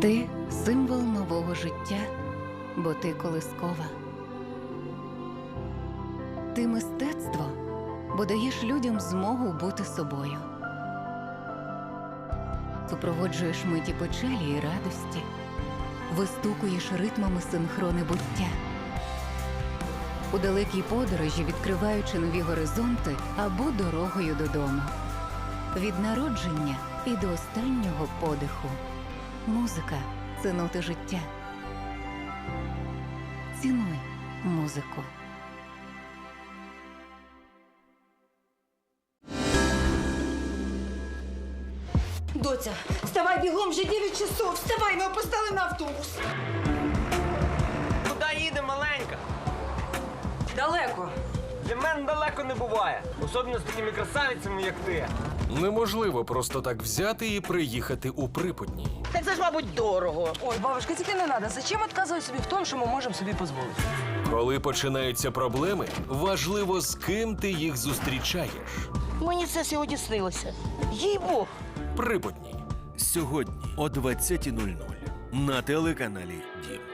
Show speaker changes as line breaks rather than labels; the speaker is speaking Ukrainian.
Ти – символ нового життя, бо ти колискова. Ти – мистецтво, бо даєш людям змогу бути собою. Супроводжуєш миті печалі і радості, вистукуєш ритмами синхрони буття. У далекій подорожі, відкриваючи нові горизонти або дорогою додому. Від народження і до останнього подиху. Музика – це ноти життя. Цінуй музику.
Доця, вставай бігом, вже 9 часов. Вставай, ми опоздали на автобус.
Куди їде маленька?
Далеко.
Для мене далеко не буває. Особливо з такими красавицями, як ти.
Неможливо просто так взяти і приїхати у Припутні.
Так це ж, мабуть, дорого.
Ой, бабушка, тільки не треба. Зачем відказувати собі в тому, що ми можемо собі дозволити?
Коли починаються проблеми, важливо, з ким ти їх зустрічаєш.
Мені це сьогодні снилося. Їй-бог.
Припутні.
Сьогодні о 20:00 на телеканалі Дім.